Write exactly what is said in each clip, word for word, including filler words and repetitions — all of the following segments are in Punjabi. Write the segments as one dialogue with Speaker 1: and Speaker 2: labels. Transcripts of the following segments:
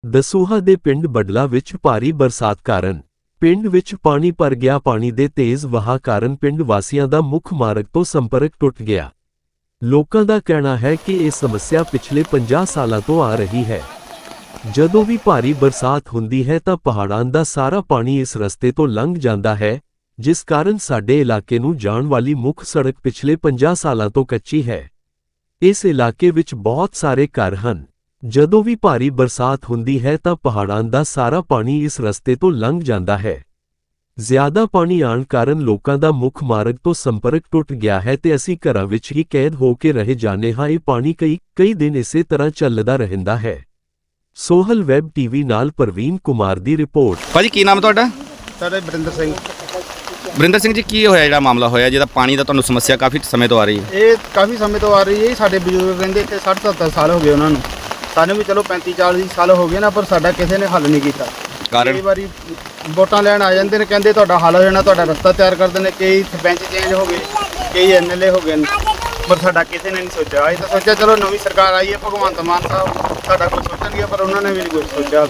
Speaker 1: ਦਸੂਹਾ ਦੇ ਪਿੰਡ ਬਡਲਾ ਵਿੱਚ ਭਾਰੀ ਬਰਸਾਤ ਕਾਰਨ ਪਿੰਡ ਵਿੱਚ ਪਾਣੀ ਭਰ ਗਿਆ। ਪਾਣੀ ਦੇ ਤੇਜ਼ ਵਹਾਅ ਕਾਰਨ ਪਿੰਡ ਵਾਸੀਆਂ ਦਾ ਮੁੱਖ ਮਾਰਗ ਤੋਂ ਸੰਪਰਕ ਟੁੱਟ ਗਿਆ। ਲੋਕਾਂ ਦਾ ਕਹਿਣਾ ਹੈ ਕਿ ਇਹ ਸਮੱਸਿਆ ਪਿਛਲੇ ਪੰਜਾਹ ਸਾਲਾਂ ਤੋਂ ਆ ਰਹੀ ਹੈ। ਜਦੋਂ ਵੀ ਭਾਰੀ ਬਰਸਾਤ ਹੁੰਦੀ ਹੈ ਤਾਂ ਪਹਾੜਾਂ ਦਾ ਸਾਰਾ ਪਾਣੀ ਇਸ ਰਸਤੇ ਤੋਂ ਲੰਘ ਜਾਂਦਾ ਹੈ, ਜਿਸ ਕਾਰਨ ਸਾਡੇ ਇਲਾਕੇ ਨੂੰ ਜਾਣ ਵਾਲੀ ਮੁੱਖ ਸੜਕ ਪਿਛਲੇ ਪੰਜਾਹ ਸਾਲਾਂ ਤੋਂ ਕੱਚੀ ਹੈ। ਇਸ ਇਲਾਕੇ ਵਿੱਚ ਬਹੁਤ ਸਾਰੇ ਘਰ ਹਨ। ਜਦੋਂ ਵੀ ਭਾਰੀ ਬਰਸਾਤ ਹੁੰਦੀ ਹੈ ਤਾਂ ਪਹਾੜਾਂ ਦਾ ਸਾਰਾ ਪਾਣੀ ਇਸ ਰਸਤੇ ਤੋਂ ਲੰਘ ਜਾਂਦਾ ਹੈ। ਜ਼ਿਆਦਾ ਪਾਣੀ ਆਉਣ ਕਾਰਨ ਲੋਕਾਂ ਦਾ ਮੁੱਖ ਮਾਰਗ ਤੋਂ ਸੰਪਰਕ ਟੁੱਟ ਗਿਆ ਹੈ ਤੇ ਅਸੀਂ ਘਰਾਂ ਵਿੱਚ ਹੀ ਕੈਦ ਹੋ ਕੇ ਰਹਿ ਜਾਂਦੇ ਹਾਂ। ਇਹ ਪਾਣੀ ਕਈ ਕਈ ਦਿਨ ਇਸੇ ਤਰ੍ਹਾਂ ਚੱਲਦਾ ਰਹਿੰਦਾ ਹੈ। ਸੋਹਲ ਵੈਬ ਟੀਵੀ ਨਾਲ ਪ੍ਰਵੀਨ ਕੁਮਾਰ ਦੀ ਰਿਪੋਰਟ।
Speaker 2: ਭਾਜੀ ਕੀ ਨਾਮ ਤੁਹਾਡਾ?
Speaker 3: ਸਾਡੇ ਬਰਿੰਦਰ ਸਿੰਘ।
Speaker 2: ਬਰਿੰਦਰ ਸਿੰਘ ਜੀ, ਕੀ ਹੋਇਆ ਜਿਹੜਾ ਮਾਮਲਾ ਹੋਇਆ ਜਿਹਦਾ ਪਾਣੀ ਦਾ ਤੁਹਾਨੂੰ ਸਮੱਸਿਆ ਕਾਫੀ ਸਮੇਂ ਤੋਂ ਆ ਰਹੀ ਹੈ?
Speaker 3: ਇਹ ਕਾਫੀ ਸਮੇਂ ਤੋਂ ਆ ਰਹੀ ਹੈ। ਸਾਡੇ ਬਜ਼ੁਰਗ ਰਹਿੰਦੇ ਇੱਥੇ ਸੱਠ ਸੱਤਰ ਸਾਲ ਹੋ ਗਏ ਉਹਨਾਂ ਨੂੰ। ਸਾਨੂੰ ਵੀ ਚਲੋ ਪੈਂਤੀ ਚਾਲੀ ਸਾਲ ਹੋ ਗਏ ਨਾ, ਪਰ ਸਾਡਾ ਕਿਸੇ ਨੇ ਹੱਲ ਨਹੀਂ ਕੀਤਾ।
Speaker 2: ਕਾਰਨ?
Speaker 3: ਕਈ ਵਾਰੀ ਵੋਟਾਂ ਲੈਣ ਆ ਜਾਂਦੇ ਨੇ, ਕਹਿੰਦੇ ਤੁਹਾਡਾ ਹੱਲ ਹੋ ਜਾਣਾ, ਤੁਹਾਡਾ ਰਸਤਾ ਤਿਆਰ ਕਰ ਦਿੰਦੇ। ਕਈ ਸਰਪੰਚ ਚੇਂਜ ਹੋ ਗਏ, ਕਈ ਐਮ ਐਲ ਏ ਹੋ ਗਏ ਨੇ, ਪਰ ਸਾਡਾ ਕਿਸੇ ਨੇ ਨਹੀਂ ਸੋਚਿਆ। ਅਸੀਂ ਤਾਂ ਸੋਚਿਆ ਚਲੋ ਨਵੀਂ ਸਰਕਾਰ ਆਈ ਹੈ, ਭਗਵੰਤ ਮਾਨ ਸਾਹਿਬ ਸਾਡਾ ਕੁਝ ਸੋਚਣਗੇ, ਪਰ ਉਹਨਾਂ ਨੇ ਵੀ ਨਹੀਂ ਕੁਝ ਸੋਚਿਆ।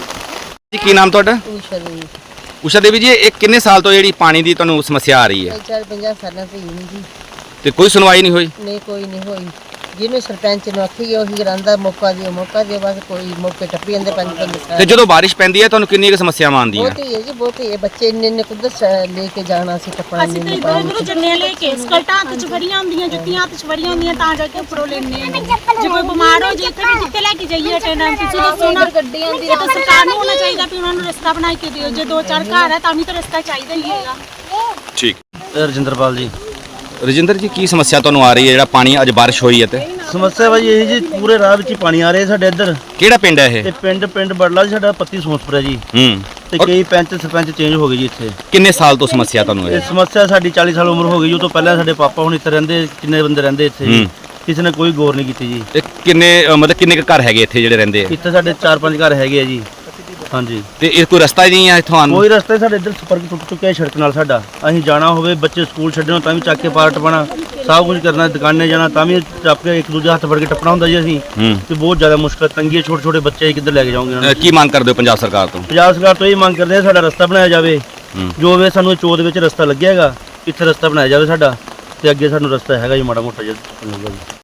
Speaker 2: ਜੀ ਕੀ ਨਾਮ ਤੁਹਾਡਾ?
Speaker 4: ਊਸ਼ਾ ਦੇਵੀ।
Speaker 2: ਊਸ਼ਾ ਦੇਵੀ ਜੀ, ਇਹ ਕਿੰਨੇ ਸਾਲ ਤੋਂ ਜਿਹੜੀ ਪਾਣੀ ਦੀ ਤੁਹਾਨੂੰ ਸਮੱਸਿਆ ਆ ਰਹੀ ਹੈ?
Speaker 4: ਚਾਰ ਪੰਜਾਹ ਸਾਲਾਂ ਤੋਂ ਹੀ ਨਹੀਂ ਜੀ।
Speaker 2: ਤੇ ਕੋਈ ਸੁਣਵਾਈ ਨਹੀਂ ਹੋਈ?
Speaker 4: ਨਹੀਂ, ਕੋਈ ਨਹੀਂ ਹੋਈ। ਜਿਹਨੂੰ ਸਰਪੰਚ ਨੂੰ ਆਖੀ ਉਹੀ ਰਹਿੰਦਾ, ਮੌਕਾ ਦਿਓ ਮੌਕਾ ਦਿਓ, ਬਸ ਕੋਈ ਮੌਕੇ ਟੱਪੀ ਜਾਂਦੇ ਪੰਜ ਪੰਜ ਸਾਲ।
Speaker 2: ਤੇ ਜਦੋਂ ਬਾਰਿਸ਼ ਪੈਂਦੀ ਹੈ ਤੁਹਾਨੂੰ ਕਿੰਨੀ ਕੁ ਸਮੱਸਿਆਵਾਂ ਆਉਂਦੀਆਂ?
Speaker 4: ਬਹੁਤ ਹੀ ਹੈ ਜੀ, ਬਹੁਤ ਹੀ ਹੈ। ਬੱਚੇ ਇੰਨੇ ਇੰਨੇ ਕੁਦਰਤ ਲੈ ਕੇ ਜਾਣਾ ਸੀ ਟੱਪਣਾ
Speaker 5: ਅਸੀਂ ਤਾਂ ਇਧਰ ਉਧਰ ਜੰਨੇ ਲੈ ਕੇ ਸਕਲਟਾਂ ਹੱਥ ਚ ਫੜੀਆਂ ਹੁੰਦੀਆਂ, ਜੁੱਤੀਆਂ ਹੱਥ ਚ ਫੜੀਆਂ ਹੁੰਦੀਆਂ, ਤਾਂ ਜਾ ਕੇ ਉੱਪਰੋਂ ਲੈਣੇ ਆ। ਜੇ ਕੋਈ ਬਿਮਾਰ ਹੋ ਜੇ ਇੱਥੇ ਵੀ ਕਿੱਥੇ ਲੈ ਕੇ ਜਾਈਏ ਟੈਨਾਂ? ਤੁਸੀਂ ਦੱਸੋ ਨਾ। ਗੱਡੀ ਆਉਂਦੀ ਹੈ ਤਾਂ ਸਰਕਾਰ ਨੂੰ ਹੋਣਾ ਚਾਹੀਦਾ ਵੀ ਉਹਨਾਂ ਨੂੰ ਰਸਤਾ ਬਣਾ ਕੇ ਦਿਓ। ਜੇ ਦੋ ਚਾਰ ਘਰ ਹੈ ਤਾਂ ਵੀ ਤਾਂ ਰਸਤਾ ਚਾਹੀਦਾ ਹੀ ਹੈਗਾ।
Speaker 2: ਠੀਕ।
Speaker 6: ਰਜਿੰਦਰਪਾਲ ਜੀ।
Speaker 2: ਰਜਿੰਦਰ ਜੀ, ਕੀ ਸਮੱਸਿਆ ਤੁਹਾਨੂੰ ਆ ਰਹੀ ਹੈ ਜਿਹੜਾ ਪਾਣੀ ਅੱਜ ਬਾਰਿਸ਼ ਹੋਈ ਹੈ ਤੇ?
Speaker 6: ਸਮੱਸਿਆ ਭਾਜੀ ਇਹ ਜੀ, ਪੂਰੇ ਰਾਹ ਵਿੱਚ ਹੀ ਪਾਣੀ ਆ ਰਿਹਾ ਸਾਡੇ ਇੱਧਰ।
Speaker 2: ਕਿਹੜਾ ਪਿੰਡ ਹੈ ਇਹ?
Speaker 6: ਤੇ ਪਿੰਡ ਪਿੰਡ ਬੜਲਾ ਜੀ ਸਾਡਾ, ਪੱਤੀ ਸੋਸਪੁਰਾ ਜੀ।
Speaker 2: ਹੂੰ।
Speaker 6: ਤੇ ਕਈ ਪੰਚ ਸਰਪੰਚ ਚੇਂਜ ਹੋ ਗਏ ਜੀ ਇੱਥੇ।
Speaker 2: ਕਿੰਨੇ ਸਾਲ ਤੋਂ ਸਮੱਸਿਆ ਤੁਹਾਨੂੰ
Speaker 6: ਇਹ
Speaker 2: ਇਹ?
Speaker 6: ਸਮੱਸਿਆ ਸਾਡੀ ਚਾਲੀ ਸਾਲ ਉਮਰ ਹੋ ਗਈ। ਉਹ ਤੋਂ ਪਹਿਲਾਂ ਸਾਡੇ ਪਾਪਾ ਹੁਣ ਇੱਥੇ ਰਹਿੰਦੇ, ਕਿੰਨੇ ਬੰਦੇ ਰਹਿੰਦੇ ਇੱਥੇ ਜੀ। ਕਿਸੇ ਨੇ ਕੋਈ ਗੌਰ ਨਹੀਂ ਕੀਤੀ ਜੀ।
Speaker 2: ਤੇ ਕਿੰਨੇ ਅ, ਮਤਲਬ ਕਿੰਨੇ ਕੁ ਘਰ ਹੈਗੇ ਇੱਥੇ ਜਿਹੜੇ ਰਹਿੰਦੇ ਆ?
Speaker 6: ਇੱਥੇ ਸਾਡੇ ਚਾਰ ਪੰਜ ਘਰ ਹੈਗੇ ਆ ਜੀ। ਹਾਂਜੀ।
Speaker 2: ਤੇ ਇਹ ਕੋਈ ਰਸਤਾ ਹੀ ਨਹੀਂ ਹੈ ਇੱਥੋਂ ਆਉਣ ਨੂੰ?
Speaker 6: ਕੋਈ ਰਸਤੇ ਸਾਡੇ ਇੱਧਰ ਸੰਪਰਕ ਟੁੱਟ ਚੁੱਕਿਆ ਸੜਕ ਨਾਲ ਸਾਡਾ। ਅਸੀਂ ਜਾਣਾ ਹੋਵੇ, ਬੱਚੇ ਸਕੂਲ ਛੱਡਣਾ ਤਾਂ ਵੀ ਚੱਕ ਕੇ ਪਾਰ ਟਪਣਾ, ਸਭ ਕੁਝ ਕਰਨਾ। ਦੁਕਾਨੇ ਜਾਣਾ ਤਾਂ ਵੀ ਚੱਪ ਕੇ ਇੱਕ ਦੂਜੇ ਹੱਥ ਫੜ ਕੇ ਟੱਪਣਾ ਹੁੰਦਾ ਜੀ ਅਸੀਂ। ਤੇ ਬਹੁਤ ਜ਼ਿਆਦਾ ਮੁਸ਼ਕਲ ਤੰਗੀ ਹੈ। ਛੋਟੇ ਛੋਟੇ ਬੱਚੇ ਕਿੱਧਰ ਲੈ ਕੇ ਜਾਓਗੇ ਉਹਨਾਂ ਨੂੰ?
Speaker 2: ਅ, ਕੀ ਮੰਗ ਕਰਦੇ ਹੋ ਪੰਜਾਬ ਸਰਕਾਰ ਤੋਂ?
Speaker 6: ਪੰਜਾਬ ਸਰਕਾਰ ਤੋਂ ਇਹ ਮੰਗ ਕਰਦੇ ਆ ਸਾਡਾ ਰਸਤਾ ਬਣਾਇਆ ਜਾਵੇ। ਜੋ ਵੇ ਸਾਨੂੰ ਚੋਦ ਵਿੱਚ ਰਸਤਾ ਲੱਗਿਆਗਾ, ਇੱਥੇ ਰਸਤਾ ਬਣਾਇਆ ਜਾਵੇ ਸਾਡਾ, ਤੇ ਅੱਗੇ ਸਾਨੂੰ ਰਸਤਾ ਹੈਗਾ ਜੀ ਮਾੜਾ ਮੋਟਾ ਜਿਹਾ।